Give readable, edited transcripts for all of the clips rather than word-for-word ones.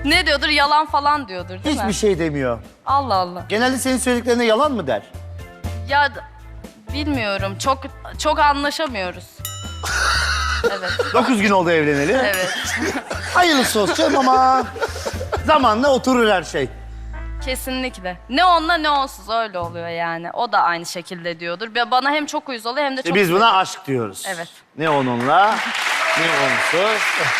Ne diyordur? Yalan falan diyordur değil mi? Hiçbir şey demiyor. Allah Allah. Genelde senin söylediklerine yalan mı der? Ya bilmiyorum. Çok anlaşamıyoruz. Evet. 9 gün oldu evleneli. Evet. Hayırlısı olsun ama zamanla oturur her şey. Kesinlikle. Ne onunla ne onsuz öyle oluyor yani. O da aynı şekilde diyordur. Ve bana hem çok uyuz oluyor hem de çok... Biz buna aşk diyoruz. Evet. Ne onunla ne onsuz.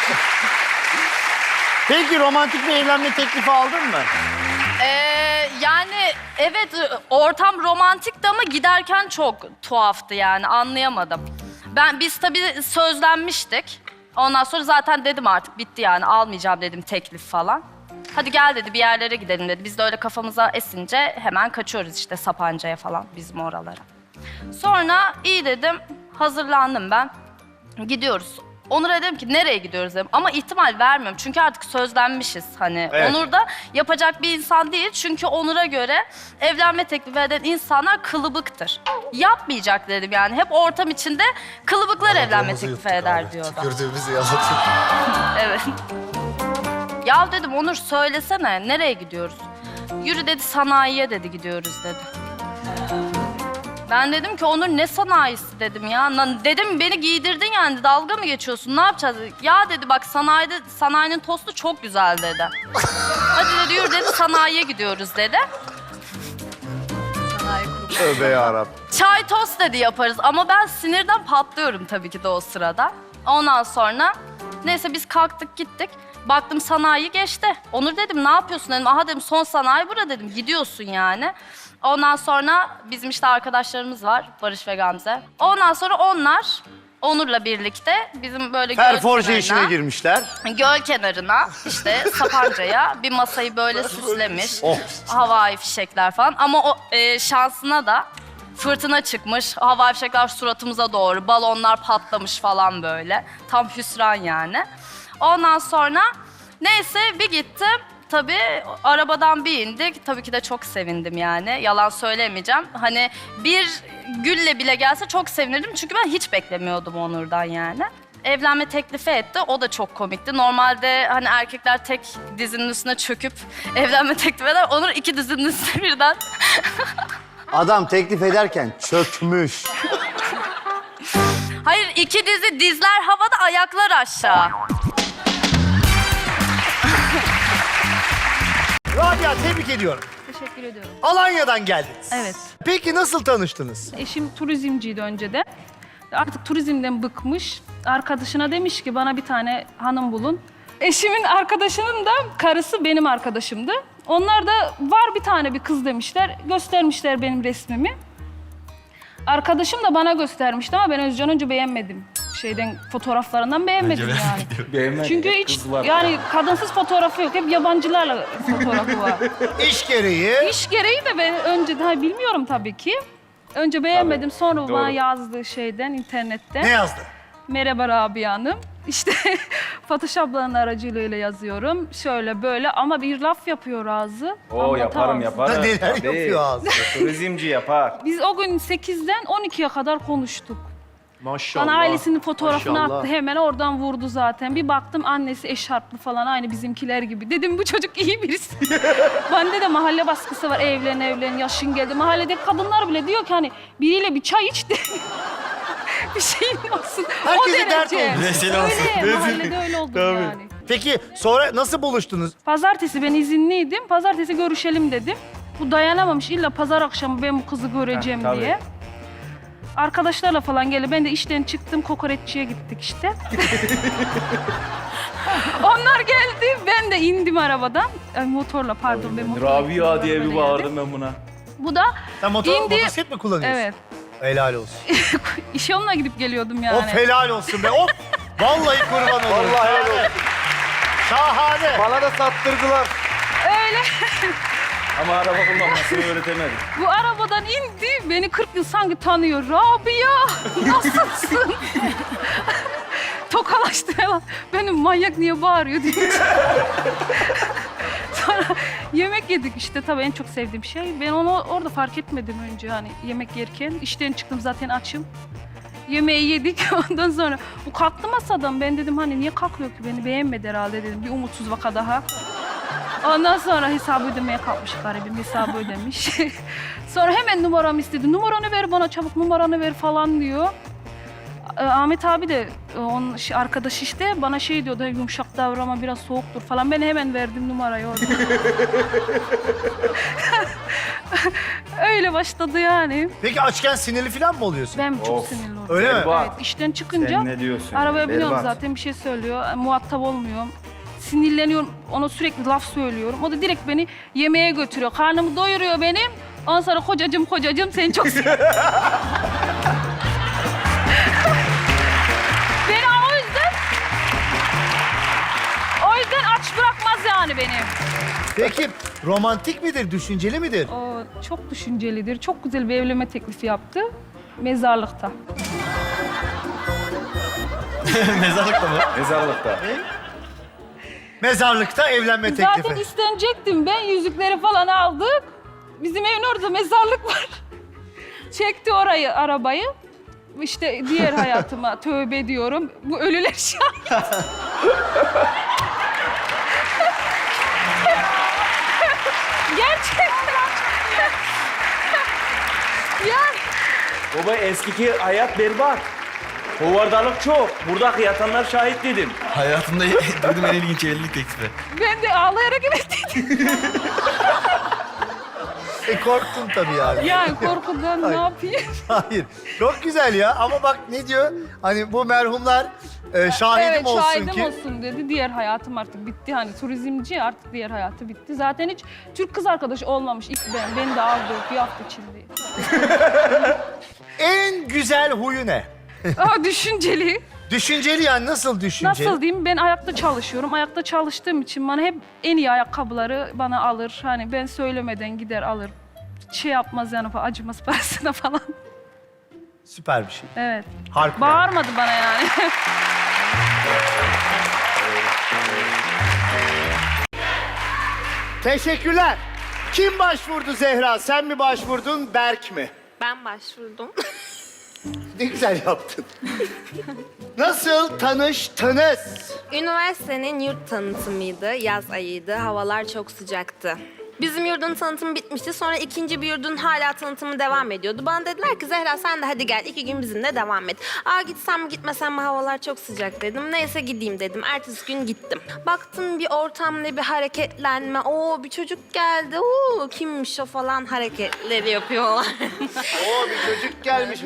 Peki romantik bir evlenme teklifi aldın mı? Yani evet ortam romantikti ama giderken çok tuhaftı yani anlayamadım. Biz tabii sözlenmiştik. Ondan sonra zaten dedim artık bitti yani almayacağım dedim teklif falan. Hadi gel dedi bir yerlere gidelim dedi. Biz de öyle kafamıza esince hemen kaçıyoruz işte Sapanca'ya falan bizim oralara. Sonra iyi dedim hazırlandım ben. Gidiyoruz. Onur'a dedim ki nereye gidiyoruz dedim. Ama ihtimal vermiyorum çünkü artık sözlenmişiz hani. Evet. Onur da yapacak bir insan değil. Çünkü Onur'a göre evlenme teklifi eden insanlar kılıbıktır. Yapmayacak dedim yani. Hep ortam içinde kılıbıklar evlenme teklifi eder diyordu. Tükürdüğümüzü yalatıyor. Evet. Ya dedim Onur söylesene nereye gidiyoruz? Yürü dedi sanayiye dedi gidiyoruz dedi. Ben dedim ki Onur ne sanayisi dedim ya. Dedim beni giydirdin yani dalga mı geçiyorsun ne yapacağız? Ya dedi bak sanayinin tostu çok güzel dedi. Hadi dedi yürü dedi sanayiye gidiyoruz dedi. Tövbe yarabbim. Çay tost dedi yaparız ama ben sinirden patlıyorum tabii ki de o sırada. Ondan sonra neyse biz kalktık gittik. Baktım sanayi geçti. Onur dedim ne yapıyorsun dedim. Aha dedim son sanayi bura dedim. Gidiyorsun yani. Ondan sonra bizim işte arkadaşlarımız var. Barış ve Gamze. Ondan sonra onlar Onur'la birlikte bizim böyle göl Perforje işine kenarına, girmişler. göl kenarına işte Sapanca'ya bir masayı böyle süslemiş. Oh. Havai fişekler falan. Ama o şansına da fırtına çıkmış. Havai fişekler suratımıza doğru. Balonlar patlamış falan böyle. Tam hüsran yani. Ondan sonra neyse bir gittim. Tabii arabadan bir indik. Tabii ki de çok sevindim yani. Yalan söylemeyeceğim. Hani bir gülle bile gelse çok sevinirdim. Çünkü ben hiç beklemiyordum Onur'dan yani. Evlenme teklifi etti. O da çok komikti. Normalde hani erkekler tek dizinin üstüne çöküp evlenme teklif eder. Onur iki dizinin üstüne birden. Adam teklif ederken çökmüş. Hayır iki dizi dizler havada ayaklar aşağı. Rabia tebrik ediyorum. Teşekkür ediyorum. Alanya'dan geldiniz. Evet. Peki nasıl tanıştınız? Eşim turizmciydi önceden. Artık turizmden bıkmış. Arkadaşına demiş ki bana bir tane hanım bulun. Eşimin arkadaşının da karısı benim arkadaşımdı. Onlar da var bir tane bir kız demişler. Göstermişler benim resmimi. Arkadaşım da bana göstermişti ama ben Özcan önce beğenmedim. Fotoğraflarından beğenmedim yani. Beğenmedi. Çünkü hiç yani kadınsız fotoğrafı yok. Hep yabancılarla fotoğrafı var. İş gereği. İş gereği de ben önce daha bilmiyorum tabii ki. Önce beğenmedim sonra doğru. bana yazdığı şeyden internetten. Ne yazdı? Merhaba Rabia Hanım. İşte Photoshop'ların aracılığıyla yazıyorum. Şöyle böyle ama bir laf yapıyor ağzı. Oo yaparım yaparım. Neler Tabii. yapıyor ağzı? Turizmci yapar. Biz o gün 8'den 12'ye kadar konuştuk. Maşallah. Bana ailesinin fotoğrafını maşallah. attı. Hemen oradan vurdu zaten. Bir baktım annesi eşarplı falan aynı bizimkiler gibi. Dedim bu çocuk iyi birisi. Bende de mahalle baskısı var. Evlen yaşın geldi. Mahalledeki kadınlar bile diyor ki hani biriyle bir çay iç de bir şeyin olsun. Herkese dert oldu. Rezil olsun. Öyle mahallede öyle oldu yani. Peki sonra nasıl buluştunuz? Pazartesi ben izinliydim. Pazartesi görüşelim dedim. Bu dayanamamış illa pazar akşamı ben bu kızı göreceğim tabii. diye. Arkadaşlarla falan geldi. Ben de işten çıktım, kokoreççiye gittik işte. Onlar geldi, ben de indim arabadan. Ay, motorla pardon, ben motorla gittim, Rabia diye arabada bir geldim. bağırdım ben buna. Bu da Sen İndi. motosiklet mi kullanıyorsun? evet, Helal olsun. iş yoluna gidip geliyordum yani. Of helal olsun be. Of. Vallahi kurban olurum. Vallahi helal olsun. Şahane. Bana da sattırdılar. Öyle. Ama araba kullanmasını öğretemedim. Bu arabadan indi, beni 40 yıl sanki tanıyor. Rabia, nasılsın? Tokalaştı hemen. Benim manyak niye bağırıyor diye. Sonra yemek yedik işte. Tabii en çok sevdiğim şey. Ben onu orada fark etmedim önce hani yemek yerken. İşten çıktım zaten açım. Yemeği yedik ondan sonra. Bu kalktı masadan. Ben dedim hani niye kalkmıyor ki beni beğenmedi herhalde dedim. Bir umutsuz vaka daha. Ondan sonra hesabı ödemeye kalkmış garibim, hesabı ödemiş. Sonra hemen numaramı istedi. Numaranı ver bana, çabuk numaranı ver falan diyor. Ahmet abi de onun arkadaş işte bana şey diyordu, yumuşak davranma biraz soğuktur falan. Ben hemen verdim numarayı orada. Öyle başladı yani. Peki açken sinirli falan mı oluyorsun? Ben çok Of. sinirli oldum. Öyle mi? Berbat. Evet, işten çıkınca Sen ne diyorsun? arabaya biniyorum Berbat. zaten bir şey söylüyor. Muhatap olmuyorum. Sinirleniyorum, ona sürekli laf söylüyorum. O da direkt beni yemeğe götürüyor. Karnımı doyuruyor benim. Ondan sonra kocacığım seni çok seviyorum. Beni o yüzden aç bırakmaz yani beni. Peki romantik midir, düşünceli midir? O çok düşüncelidir. Çok güzel bir evlenme teklifi yaptı. Mezarlıkta. Mezarlıkta mı? Mezarlıkta. Mezarlıkta evlenme teklifi. Zaten istenecektim ben. Yüzükleri falan aldık. Bizim evin orada mezarlık var. Çekti orayı, arabayı. İşte diğer hayatıma tövbe diyorum. Bu ölüler şahit. Gerçekten. Yani Baba eskiki hayat berbat. Hovardalık çok. Buradaki yatanlar şahit dedim. Hayatımda duydum en ilginç evlilik teklifi. ben de ağlayarak gittim. Korktun tabii yani. Yani korkudan ne yapayım? Hayır. Çok güzel ya ama bak ne diyor? Hani bu merhumlar şahidim Evet, olsun şahidim ki. olsun dedi. Diğer hayatım artık bitti. Hani turizmci artık diğer hayatı bitti. Zaten hiç Türk kız arkadaşı olmamış ilk ben. Beni de aldı bir hafta içinde. En güzel huyu ne? Aa, düşünceli. Düşünceli yani nasıl düşünceli? Nasıl diyeyim? Ben ayakta çalışıyorum. Ayakta çalıştığım için bana hep en iyi ayakkabıları bana alır. Hani ben söylemeden gider alır. Şey yapmaz yani acımaz parasına falan. Süper bir şey. Evet. Harika. Bağırmadı bana yani. Teşekkürler. Kim başvurdu Zehra? Sen mi başvurdun, Berk mi? Ben başvurdum. Ne güzel yaptın. Nasıl tanıştınız? Üniversitenin yurt tanıtımıydı, yaz ayıydı, havalar çok sıcaktı. Bizim yurdun tanıtımı bitmişti, sonra ikinci bir yurdun hala tanıtımı devam ediyordu. Bana dediler ki Zehra sen de hadi gel 2 gün bizimle devam et. Aa gitsem mi gitmesem mi havalar çok sıcak dedim. Neyse gideyim dedim. Ertesi gün gittim. Baktım bir ortamda bir hareketlenme. Oo bir çocuk geldi. Oo kimmiş o falan hareketleri yapıyorlar. Oo bir çocuk gelmiş.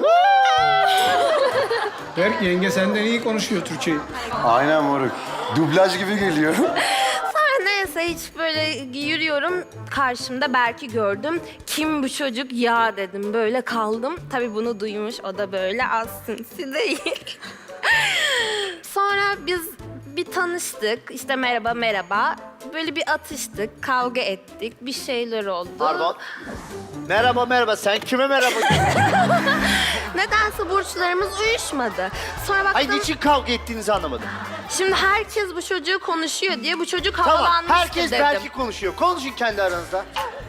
Berk yenge senden iyi konuşuyor Türkçeyi. Aynen moruk. Dublaj gibi geliyor. Sonra neyse hiç böyle yürüyorum. Karşımda Berk'i gördüm. Kim bu çocuk ya dedim. Böyle kaldım. Tabii bunu duymuş. O da böyle az sinsi değil. Sonra biz bir tanıştık. İşte merhaba merhaba. Böyle bir atıştık. Kavga ettik. Bir şeyler oldu. Pardon. Merhaba merhaba. Sen kime merhaba diyorsun? Nedense burçlarımız uyuşmadı. Sonra baktım. Ay niçin kavga ettiğinizi anlamadım. Şimdi herkes bu çocuğu konuşuyor diye bu çocuk Tamam. havalanmıştı Herkes dedim. Berk'i konuşuyor. Konuşun kendi aranızda.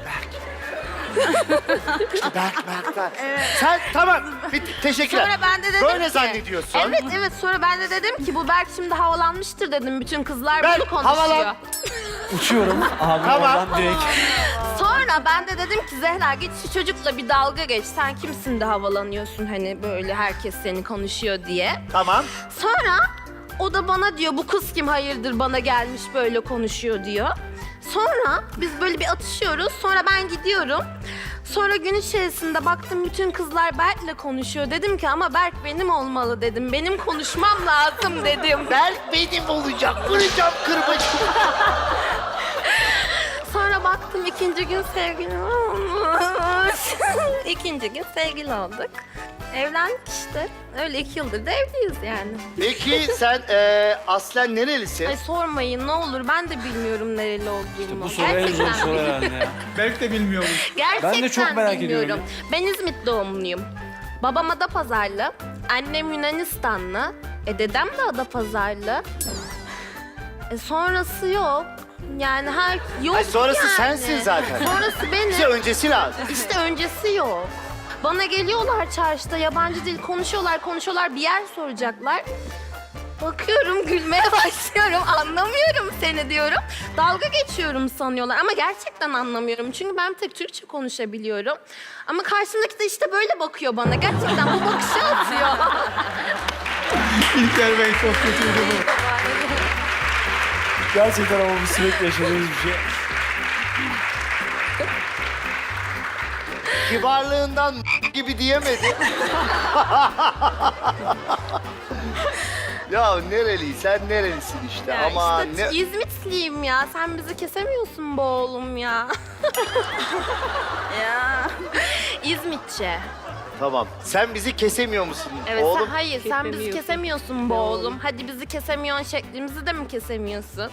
İşte Berk. Sen tamam. Teşekkürler. Sonra ben de dedim Böyle ki... zannediyorsun. Evet. Sonra ben de dedim ki bu Berk şimdi havalanmıştır dedim. Bütün kızlar Berk, bunu konuşuyor. havalan. Uçuyorum. Abi Tamam. oradan direkt. Sonra ben de dedim ki Zehra git şu çocukla bir dalga geç. Sen kimsin de havalanıyorsun hani böyle herkes seni konuşuyor diye. Tamam. Sonra o da bana diyor bu kız kim hayırdır bana gelmiş böyle konuşuyor diyor. Sonra biz böyle bir atışıyoruz. Sonra ben gidiyorum. Sonra gün içerisinde baktım bütün kızlar Berk'le konuşuyor. Dedim ki ama Berk benim olmalı dedim. Benim konuşmam lazım dedim. Berk benim olacak. Vuracağım kırbacı. Sonra baktım ikinci gün sevgili olmuş. İkinci gün sevgili olduk. Evlendik işte. Öyle 2 yıldır da evliyiz yani. Peki sen aslen nerelisin? Ay sormayın ne olur ben de bilmiyorum nereli olduğumu. Bu soru en zor soru herhalde ya. Berk de bilmiyormuş. Gerçekten Ben de çok merak bilmiyorum. ediyorum. Ben İzmit doğumluyum. Babam Adapazarlı, annem Yunanistanlı, dedem de Adapazarlı. Sonrası yok. Yani yok Ay, sonrası yani. sensin zaten. Sonrası benim. Bize öncesi lazım. İşte öncesi yok. Bana geliyorlar çarşıda yabancı dil konuşuyorlar bir yer soracaklar. Bakıyorum, gülmeye başlıyorum. Anlamıyorum seni diyorum. Dalga geçiyorum sanıyorlar ama gerçekten anlamıyorum. Çünkü ben bir tek Türkçe konuşabiliyorum. Ama karşımdaki de işte böyle bakıyor bana. Gerçekten bu bakışı atıyor. İlker Bey çok kötüydü bu. Gerçekten ama bu sürekli yaşadığımız bir şey. Kibarlığından gibi diyemedi. Ya nereli? Sen nerelisin işte? Ama işte ne... İzmitliyim ya. Sen bizi kesemiyorsun be oğlum ya. ya. İzmitçe. Tamam. Sen bizi kesemiyor musun Evet, oğlum? hayır sen bizi kesemiyorsun be oğlum. Hadi bizi kesemiyorsun şeklimizi de mi kesemiyorsun?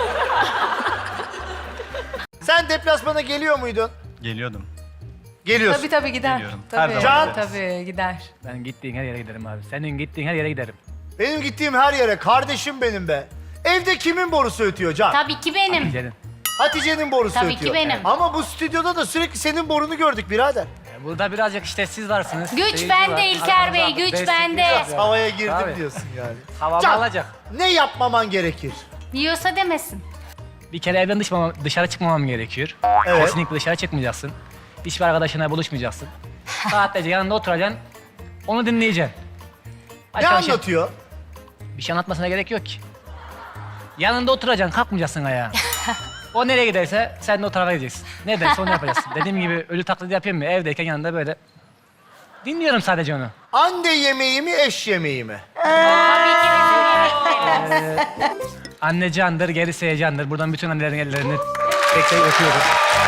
Sen deplasmana geliyor muydun? Geliyordum. Geliyorsun. Tabii gider. Geliyorum. Her Tabii, zaman tabii gider. Ben gittiğin her yere giderim abi. Senin gittiğin her yere giderim. Benim gittiğim her yere kardeşim benim be. Evde kimin borusu ötüyor Can? Tabii ki benim. Giderim. Hatice'nin borusu Tabii ki ötüyor. benim. Ama bu stüdyoda da sürekli senin borunu gördük birader. Burada birazcık işte siz varsınız. Güç seyirci bende var. İlker Bey, Arkamızda güç destek bende. biraz ya. Havaya girdim Tabii. diyorsun yani. Havamı Can, alacak. ne yapmaman gerekir? Yiyorsa demesin. Bir kere evden dışarı çıkmamam gerekiyor. Evet. Kesinlikle dışarı çıkmayacaksın. Hiçbir arkadaşına buluşmayacaksın. Saatlerce yanında oturacaksın. Onu dinleyeceksin. Ne Başka bir şey- anlatıyor? Bir şey anlatmasına gerek yok ki. Yanında oturacaksın, kalkmayacaksın ayağa. O nereye giderse sen de o tarafa gideceksin. Ne derse onu yapacaksın. Dediğim gibi ölü taklidi yapayım mı? Evdeyken yanında böyle. Dinliyorum sadece onu. Anne yemeği mi, eş yemeği mi? Tabii ki bizim yemeklerimiz. Anne candır, gerisi heyecandır. Buradan bütün annelerin ellerini tek tek öpüyoruz.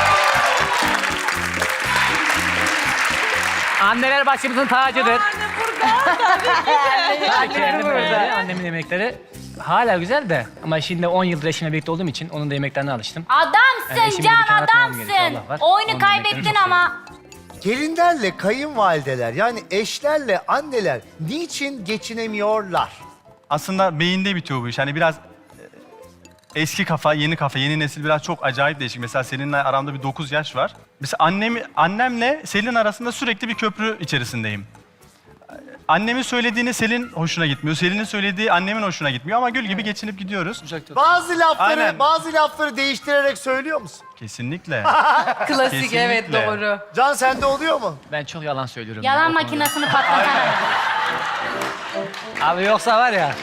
Anneler başımızın tacıdır. Tabii ki annem burada. Annemin yemekleri hala güzel de ama şimdi 10 yıldır eşimle birlikte olduğum için onun da yemeklerine alıştım. Adamsın eşimi Can, bir kenara atmam gerekiyor, adamsın. Allah var. Oyunu Onun kaybettin yemeklerini çok ama. Gelinlerle kayınvalideler yani eşlerle anneler niçin geçinemiyorlar? aslında beyinde bitiyor bu iş. Hani biraz eski kafa, yeni kafa, yeni nesil biraz çok acayip değişik. Mesela Selin'le aramda bir 9 yaş var. Mesela annemle Selin arasında sürekli bir köprü içerisindeyim. Annemin söylediğini Selin hoşuna gitmiyor. Selin'in söylediği annemin hoşuna gitmiyor ama gül gibi geçinip gidiyoruz. Bazı Aynen. lafları değiştirerek söylüyor musun? Kesinlikle. Klasik, evet Kesinlikle. doğru. Can sende oluyor mu? Ben çok yalan söylüyorum. Yalan ya, o konuda. makinesini patlatan. Abi yoksa var ya.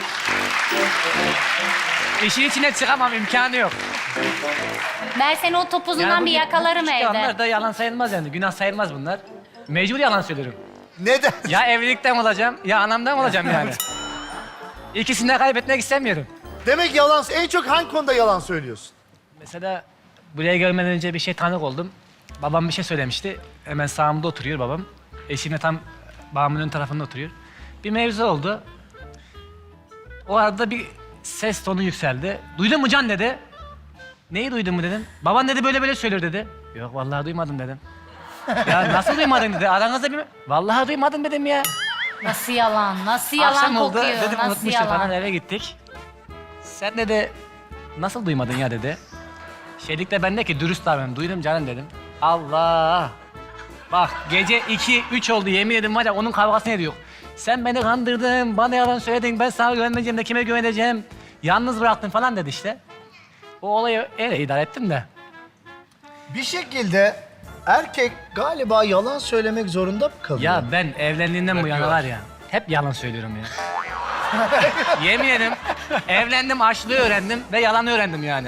İşin içine çıkamam, imkanı yok. Ben seni o topuzundan bu bir yakalarım küçük evde. yalanlar da yalan sayılmaz yani. Günah sayılmaz bunlar. Mecbur yalan söylüyorum. Neden? Ya evlilikten olacağım ya anamdan olacağım yani. İkisini de kaybetmek istemiyorum. Demek yalan, en çok hangi konuda yalan söylüyorsun? Mesela buraya gelmeden önce bir şey tanık oldum. Babam bir şey söylemişti. Hemen sağımda oturuyor babam. Eşim de tam babamın ön tarafında oturuyor. Bir mevzu oldu. O arada bir ses tonu yükseldi. Duydun mu Can dedi. Neyi duydun mu dedim. Baban dedi böyle böyle söylüyor dedi. Yok vallahi duymadım dedim. Ya nasıl duymadın dedi. Aranızda bir... Vallahi duymadım dedim ya. Nasıl yalan, nasıl yalan Akşam oldu kokuyor, dedim nasıl unutmuşum yalan. falan eve gittik. Sen dedi nasıl duymadın ya dedi. Şeylik de ben de ki dürüst davranım. Duydum canım dedim. Allah. Bak gece 2-3 oldu yemin ederim var ya onun kavgasını ediyor. Sen beni kandırdın, bana yalan söyledin, ben sana güvenmeyeceğim de kime güveneceğim. Yalnız bıraktın falan dedi işte. O olayı öyle idare ettim de. Bir şekilde erkek galiba yalan söylemek zorunda mı kalıyor? Ya ben evlendiğimden bu yana var ya, hep yalan söylüyorum ya. Yemin ederim evlendim, açlığı öğrendim ve yalanı öğrendim yani.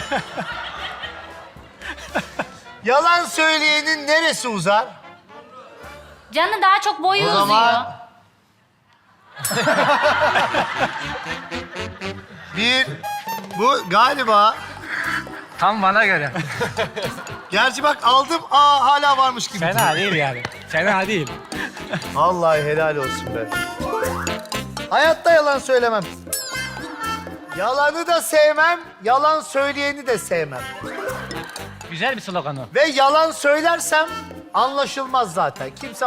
Yalan söyleyenin neresi uzar? Canı daha çok boyu O uzuyor. zaman... Bu galiba... Tam bana göre. Gerçi bak aldım, hala varmış gibi. Fena değil yani. Fena değil. Vallahi helal olsun be. Hayatta yalan söylemem. Yalanı da sevmem, yalan söyleyeni de sevmem. Güzel bir slogan o. Ve yalan söylersem anlaşılmaz zaten. Kimse...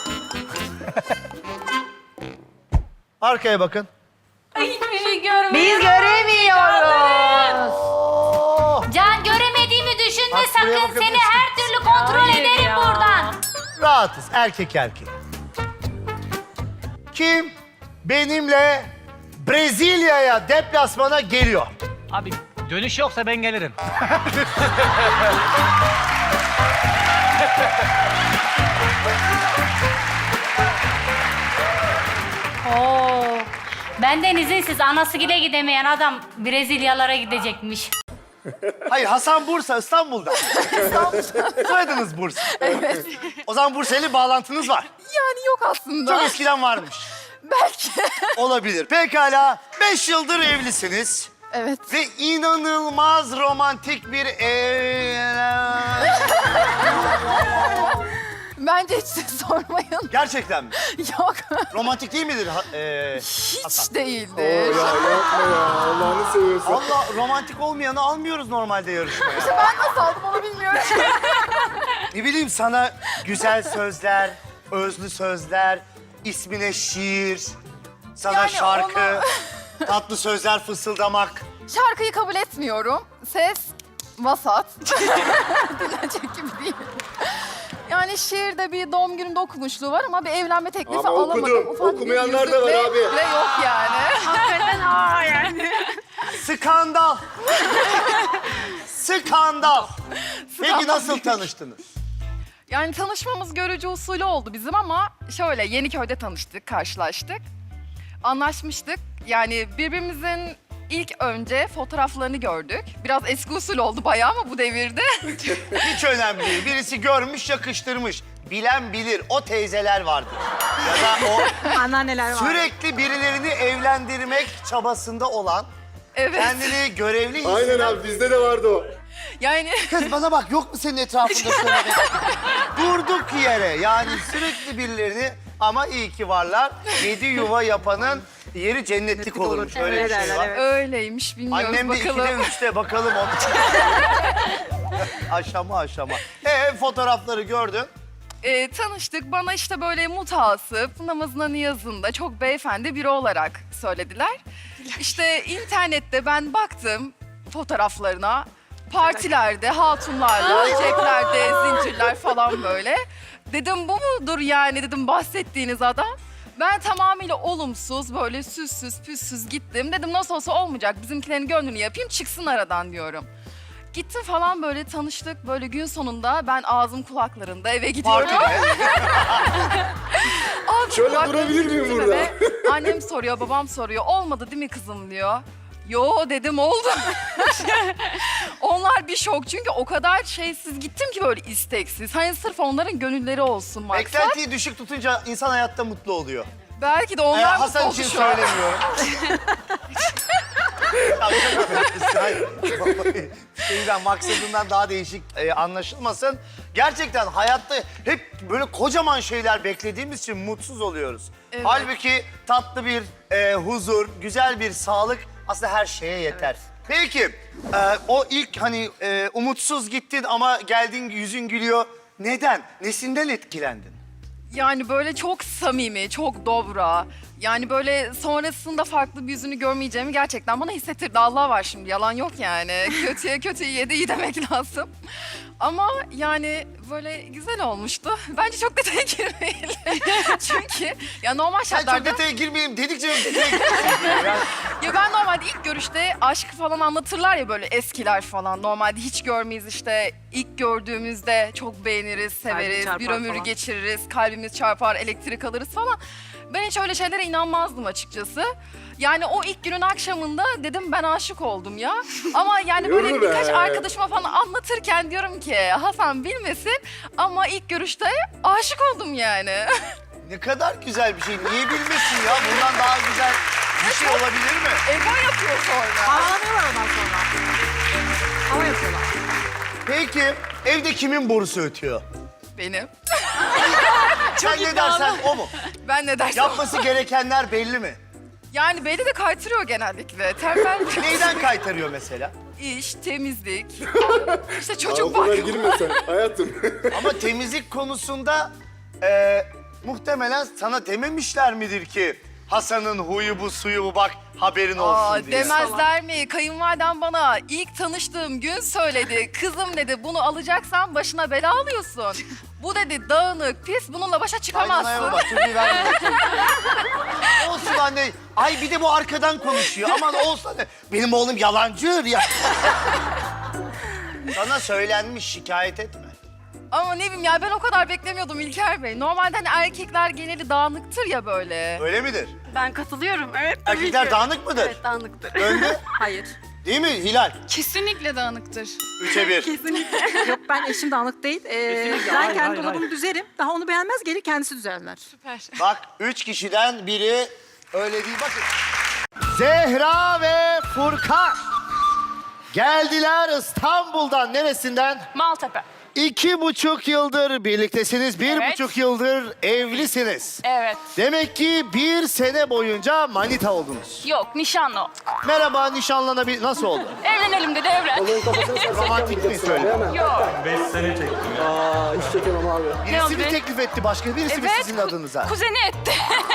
Arkaya bakın. Hiçbir şey görmüyoruz. Biz göremiyoruz. Oo, Can göremediğimi düşünme Bak, buraya sakın. Seni bakabilirsin. her türlü kontrol Hayır ederim ya. buradan. rahatız, erkek. Kim benimle Brezilya'ya deplasmana geliyor. Abi dönüş yoksa ben gelirim. Oo. Benden izinsiz anasıgile gidemeyen adam Brezilyalara gidecekmiş. Hayır, Hasan Bursa, İstanbul'da. Soyadınız Bursa. Evet. O zaman Bursa'yla bağlantınız var. Yani yok aslında. Çok eskiden varmış. Belki. Olabilir. Pekala, 5 yıldır evlisiniz. Evet. Ve inanılmaz romantik bir Bence hiç siz sormayın. Gerçekten mi? Yok. Romantik değil midir? Hiç değildir. Allah'ını seviyorsun. Allah, romantik olmayanı almıyoruz normalde yarışmaya. Ben nasıl aldım onu bilmiyorum. Ne bileyim, sana güzel sözler, özlü sözler, ismine şiir, sana Yani şarkı, tatlı sözler fısıldamak. Şarkıyı kabul etmiyorum. Ses vasat. Dinlenecek gibi değil. Yani şiirde bir doğum günümde okumuşluğu var ama bir evlenme teklifi Ama alamadım. okudum. Ufak bir Okumayanlar da var yüzükle abi. bile yok yani. Skandal. Skandal. Peki nasıl tanıştınız? Yani tanışmamız görücü usulü oldu bizim ama şöyle Yeniköy'de tanıştık, karşılaştık. Anlaşmıştık. Yani birbirimizin ilk önce fotoğraflarını gördük. Biraz eski usul oldu bayağı ama bu devirde. Hiç önemli değil. Birisi görmüş, yakıştırmış. Bilen bilir. O teyzeler vardır. Ya da o Anneanneler sürekli birilerini evlendirmek çabasında olan, Evet. kendini görevli Aynen hisseden... abi bizde de vardı o. Yani Kız bana bak, yok mu senin etrafında şöyle bir... Durduk yere, yani sürekli birilerini, ama iyi ki varlar. 7 yuva yapanın yeri cennetlik olurmuş. Öyle bir şey var. öyleymiş bilmiyoruz Annem de bakalım. 2'de 3'te bakalım onu. Aşama. Fotoğrafları gördün. Tanıştık. Bana işte böyle mutasip, namazına niyazında çok beyefendi biri olarak söylediler. İşte internette ben baktım fotoğraflarına. Partilerde, hatunlarla, ceplerde, zincirler falan böyle. Dedim bu mudur yani dedim bahsettiğiniz adam. Ben tamamıyla olumsuz, böyle süssüz, püssüz gittim. Dedim nasıl olsa olmayacak, bizimkilerin gönlünü yapayım, çıksın aradan diyorum. Gittim falan böyle tanıştık. Böyle gün sonunda ben ağzım kulaklarında eve gidiyorum. Partide. Ağzım Şöyle kulaklarında durabilir miyim gittim burada? eve. Annem soruyor, babam soruyor. Olmadı değil mi kızım diyor. Yo dedim oldu. Onlar bir şok çünkü o kadar şeysiz gittim ki böyle isteksiz. Hani sırf onların gönülleri olsun maksat. Beklentiyi düşük tutunca insan hayatta mutlu oluyor. Belki de onlar mutlu Hasan oldu için şu an. söylemiyorum. Şeyden, maksadından daha değişik anlaşılmasın. Gerçekten hayatta hep böyle kocaman şeyler beklediğimiz için mutsuz oluyoruz. Evet. Halbuki tatlı bir huzur, güzel bir sağlık aslında her şeye yeter. Peki, o ilk hani umutsuz gittin ama geldin yüzün gülüyor. Neden? Nesinden etkilendin? Yani böyle çok samimi, çok dobra. Yani böyle sonrasında farklı bir yüzünü görmeyeceğimi gerçekten bana hissettirdi. Allah var şimdi, yalan yok yani. Kötüye kötüyü yedi iyi demek lazım. Ama yani böyle güzel olmuştu. Bence çok detaya girmeyelim. Çünkü ya normal Sen çok şartlarda... detaya girmeyeyim dedikçe detaya giriyorsun. Yani Ya ben normalde ilk görüşte aşkı falan anlatırlar ya böyle eskiler falan. Normalde hiç görmeyiz işte. İlk gördüğümüzde çok beğeniriz, severiz, bir ömür geçiririz, kalbimiz çarpar, elektrik alırız falan. Ben hiç öyle şeylere inanmazdım açıkçası. Yani o ilk günün akşamında dedim ben aşık oldum ya. Ama yani böyle Yürü be. birkaç arkadaşıma falan anlatırken diyorum ki Hasan bilmesin ama ilk görüşte aşık oldum yani. ne kadar güzel bir şey. Niye bilmesin ya? Bundan daha güzel bir şey olabilir mi? Ego yapıyor sonra. Ağlamıyorlar ondan sonra. Ama yapıyorlar. Peki, evde kimin borusu ötüyor? Benim. Sen ne dersen o mu? Ben ne dersem. Yapması gerekenler belli mi? Yani beni de kaytırıyor genellikle. Tembel Neyden kaytarıyor mesela? İş, temizlik, işte çocuk Abi bunlara bakımı. girme sen hayatım. Ama temizlik konusunda muhtemelen sana dememişler midir ki Hasan'ın huyu bu suyu bu bak haberin olsun diye. Demezler mi? Kayınvalidem bana ilk tanıştığım gün söyledi. Kızım dedi bunu alacaksan başına bela alıyorsun. Bu dedi dağınık, pis bununla başa Kaynanaya çıkamazsın. bak, çocuğu ver bakayım. Olsun anne. Ay bir de bu arkadan konuşuyor. Aman olsun anne. Benim oğlum yalancı ya. Sana söylenmiş, şikayet etme. Ama ne bileyim ya ben o kadar beklemiyordum İlker Bey. Normalde hani erkekler geneli dağınıktır ya böyle. Öyle midir? Ben katılıyorum. Evet. Erkekler dağınık mıdır? Evet dağınıktır. Döndü. Hayır. Değil mi Hilal? Kesinlikle dağınıktır. 3'e 1. Yok ben eşim dağınık değil. Ben kendi dolabımı düzerim. Daha onu beğenmez gelir kendisi düzenler. Bak 3 kişiden biri öyle değil. Bakın. Zehra ve Furkan. Geldiler İstanbul'dan. Neresinden? Maltepe. 2,5 yıldır birliktesiniz. 1,5 yıldır evlisiniz. Evet. Demek ki 1 sene boyunca manita oldunuz. Yok, nişanlı olduk. Merhaba nişanlanabilir. Nasıl oldu? Evlenelim dedi, evlen. Romantik mi söyle? Yok. 5 sene çektim ya. Aa hiç çekemem abi. Birisi oldu? mi teklif etti başka? Birisi mi Evet, sizin adınıza? Kuzeni etti.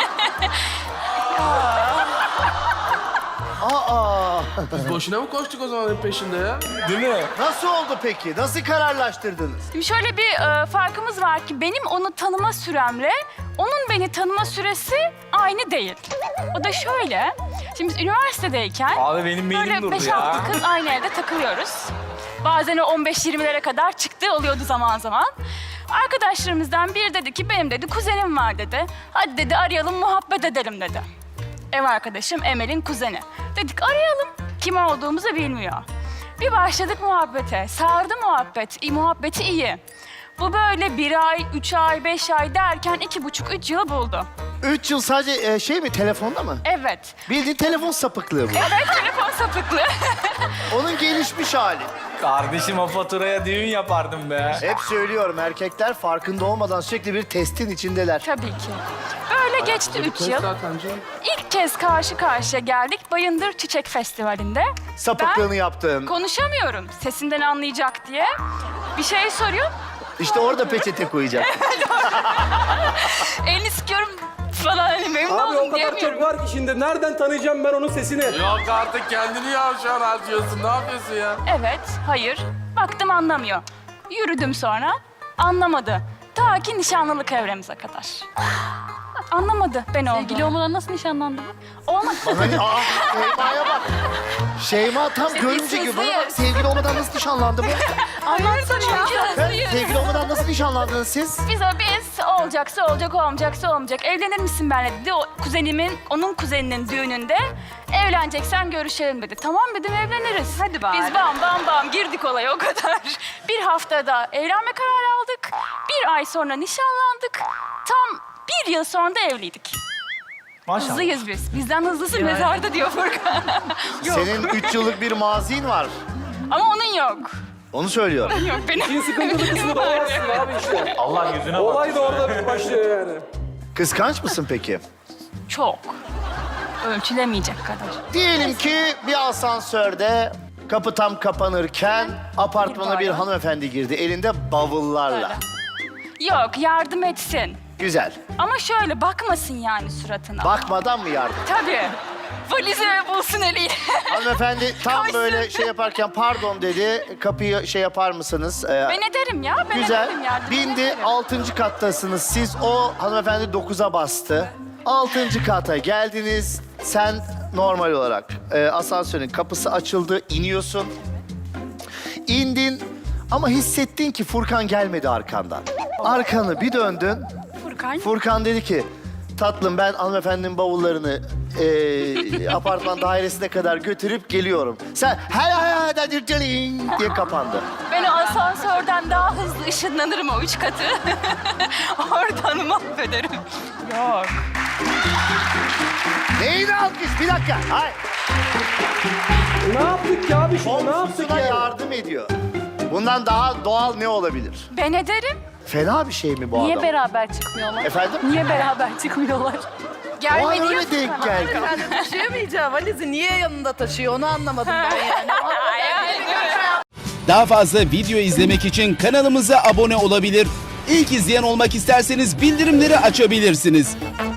Aa. Biz boşuna mı koştuk o zaman peşinde ya? Nasıl oldu peki? Nasıl kararlaştırdınız? Şimdi şöyle bir farkımız var ki benim onu tanıma süremle onun beni tanıma süresi aynı değil. O da şöyle. Şimdi biz üniversitedeyken Abi benim böyle beynim durdu 5-6 kız aynı evde takılıyoruz. Bazen o 15-20'lere kadar çıktı oluyordu zaman zaman. Arkadaşlarımızdan biri dedi ki benim dedi kuzenim var dedi. Hadi dedi arayalım muhabbet edelim dedi. Ev arkadaşım Emel'in kuzeni. Dedik arayalım. Kim olduğumuzu bilmiyor. Bir başladık muhabbete. Sardı muhabbet. Muhabbeti iyi. Bu böyle 1 ay, 3 ay, 5 ay derken 2,5-3 yıl buldu. 3 yıl sadece şey mi telefonda mı? Evet. Bildiğin telefon sapıklığı bu. Evet telefon sapıklığı. Onun gelişmiş hali. Kardeşim o faturaya düğün yapardım be. Hep söylüyorum erkekler farkında olmadan sürekli bir testin içindeler. Tabii ki. Böyle geçti 3 yıl. Zaten canım. İlk kez karşı karşıya geldik Bayındır Çiçek Festivali'nde. Sapıklığını yaptın. Konuşamıyorum sesinden anlayacak diye. Bir şey soruyor. İşte orada peçete koyacak. Elini sıkıyorum falan hani memnun oldum diyemiyorum. var ki şimdi nereden tanıyacağım ben onun sesini? Yok artık kendini yavşan harcıyorsun. Ne yapıyorsun ya? Evet, hayır. Baktım anlamıyor. Yürüdüm sonra. Anlamadı. Ta ki nişanlılık evremize kadar. Anlamadı ben olduğumu. Sevgili olmadan nasıl nişanlandı bu? Olmadı. Hani Şeyma'ya bak. Şeyma tam görümce gibi. Bana bak, sevgili olmadan nasıl nişanlandı bu? Anlatsana ya. Sevgili olmadan nasıl nişanlandınız siz? Biz olacaksa olacak, olmayacaksa olmayacak. Evlenir misin benimle dedi. Onun kuzeninin düğününde evleneceksen görüşelim dedi. Tamam dedim evleniriz. Hadi bari. Biz bam girdik olaya o kadar. Bir haftada evlenme kararı aldık. 1 ay sonra nişanlandık. Tam 1 yıl sonra da evliydik. Maşallah. Hızlıyız biz. Bizden hızlısı mezarda diyor Furkan. Yok. Senin 3 yıllık bir mazin var. Ama onun yok. Onu söylüyorum. Yok benim. Sıkıntılı kısmı da orası abi işte. Allah yüzüne bak. Olay da orada başlıyor yani. Kıskanç mısın peki? Çok. Ölçülemeyecek kadar. Diyelim ki bir asansörde kapı tam kapanırken apartmana bir hanımefendi girdi elinde bavullarla. Yok yardım etsin. Güzel. Ama şöyle bakmasın yani suratına. Bakmadan mı yardım? Tabii. Valizimi bulsun eliyle. Hanımefendi tam Kaçsın. böyle şey yaparken pardon dedi. Kapıyı şey yapar mısınız? Ben ederim ya. Ben Güzel. ederim yardım Bindi. ederim. 6. kattasınız siz. O hanımefendi 9'a bastı. 6. kata geldiniz. Sen normal olarak asansörün kapısı açıldı. İniyorsun. İndin ama hissettin ki Furkan gelmedi arkandan. Arkanı bir döndün. Furkan. Furkan dedi ki tatlım ben hanımefendinin bavullarını apartman dairesine kadar götürüp geliyorum. Sen diye kapandı. Ben o asansörden daha hızlı ışınlanırım o 3 katı. Oradan mahvederim. Yok. Neyini alkış? Bir dakika. Hayır. Ne yaptık ya abi şimdi? Ne yaptık Komşusuna ya? yardım ediyor. Bundan daha doğal ne olabilir? Ben ederim. Fena bir şey mi bu Niye adam? beraber çıkmıyor? Efendim? Niye beraber çıkmıyorlar? O an Gelmedi ya öyle denk Furkan. geldi. Taşıyamayacağı valizi niye yanında taşıyor onu anlamadım ben yani. Daha fazla video izlemek için kanalımıza abone olabilir. İlk izleyen olmak isterseniz bildirimleri açabilirsiniz.